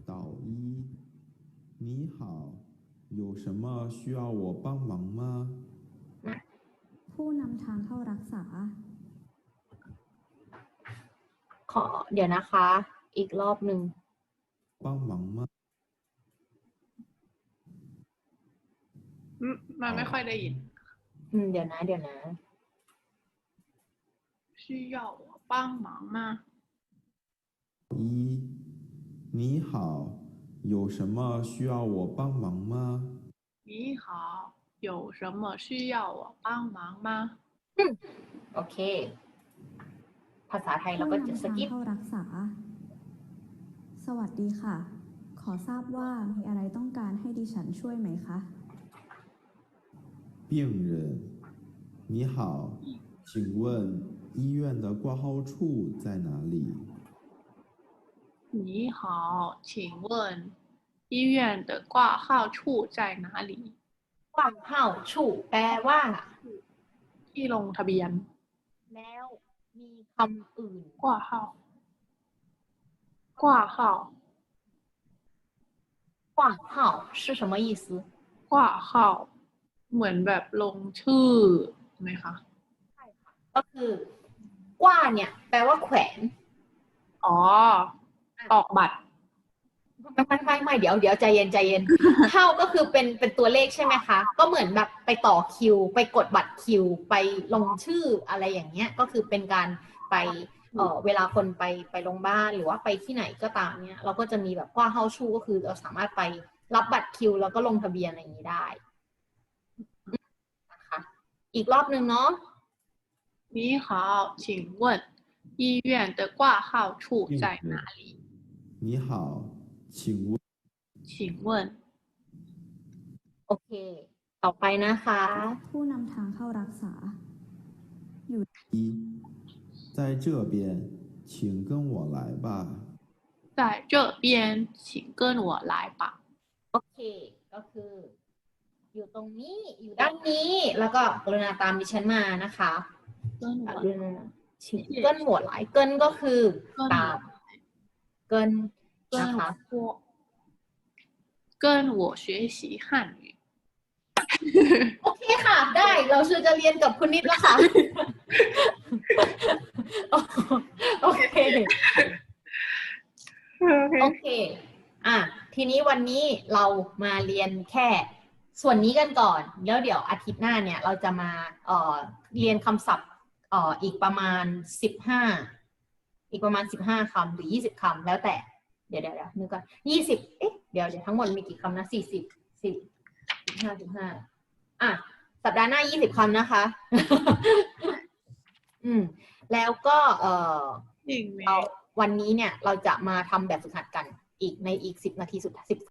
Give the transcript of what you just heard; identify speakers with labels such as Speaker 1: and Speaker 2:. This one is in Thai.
Speaker 1: 导医，你好，有什么需要我帮忙吗？
Speaker 2: ผู้นำทางเข้ารักษา
Speaker 3: เดี๋ยวนะคะอีกรอบหนึ่ง
Speaker 1: 帮忙吗？
Speaker 4: มันไม่ค่อยได้ยิน
Speaker 3: เดี๋ยวนะ
Speaker 4: 需要我帮忙吗
Speaker 1: 一，你好，有什么需要我帮忙吗？
Speaker 4: 你好有什么需要我帮忙吗
Speaker 3: โอเคภาษาไทยเรา
Speaker 2: ผู้
Speaker 3: ก็
Speaker 2: นำ
Speaker 3: จะส
Speaker 2: ทาง
Speaker 3: กิป
Speaker 2: เข้ารักษาสวัสดีค่ะขอทราบว่ามีอะไรต้องการให้ดิฉันช่วยไหมคะ
Speaker 1: 病人，你好，请问医院的挂号处在哪里？
Speaker 4: 你好请问医院的挂号处在哪里
Speaker 3: กว้างเห่าชู่แปลว่า
Speaker 4: ที่ลงทะเบียน
Speaker 3: แล้วมีคำอื่น
Speaker 4: 挂号挂号
Speaker 3: กว้างเห่า是什么意思
Speaker 4: 挂号เหมือนแบบลงชื่อไหมคะ
Speaker 3: ก็คือกว้าเนี่ยแปลว่าแขวน
Speaker 4: อ๋อออกบัตร
Speaker 3: ไม่เดี๋ยวใจเย็นเท่าก็คือเป็นตัวเลขใช่ไหมคะ ก็เหมือนแบบไปต่อคิว ไปกดบัตรคิว ไปลงชื่ออะไรอย่างเงี้ยก็คือเป็นการไปเวลาคนไปโรงพยาบาลหรือว่าไปที่ไหนก็ตามเนี่ยเราก็จะมีแบบว่าเฮาชูก็คือเราสามารถไปรับบัตรคิวแล้วก็ลงทะเบียนอะไรอย่างนี้ได้นะคะอีกรอบหนึ่งเนาะ
Speaker 4: 你好请问医院的挂号处在哪里
Speaker 1: 你好，请问
Speaker 4: 请问
Speaker 3: โอเคต่อไปนะคะ
Speaker 2: ผู้นำทางเข้ารักษา
Speaker 1: 一，在这边，请跟我来吧。
Speaker 4: 在这边请跟我来吧
Speaker 3: โอเคก็คือ อยู่ตรงนี้อยู่ด้านนี้แล้วก็กรุณาตามดิฉันมานะคะ
Speaker 4: 跟我
Speaker 3: กรุณาชิเกิลหัวหลายเกิลก็คือตามเกิลนะคะ
Speaker 4: 跟我学习汉语
Speaker 3: โอเคค่ะได้เราชื่อจะเรียนกับคุณนิดแล้วค่ะ โอเคโอเคทีนี้วันนี้เรามาเรียนแค่ส่วนนี้กันก่อนแล้วเดี๋ยวอาทิตย์หน้าเนี่ยเราจะมาเรียนคำศัพท์อีกประมาณ15คำหรือ20คำแล้วแต่เดี๋ยวนึกก่อน20เดี๋ยวทั้งหมดมีกี่คำนะ15สัปดาห์หน้า20คำนะคะแล้วก็เราวันนี้เนี่ยเราจะมาทำแบบฝึกหัดกันอีกใน10 นาทีสุดท้าย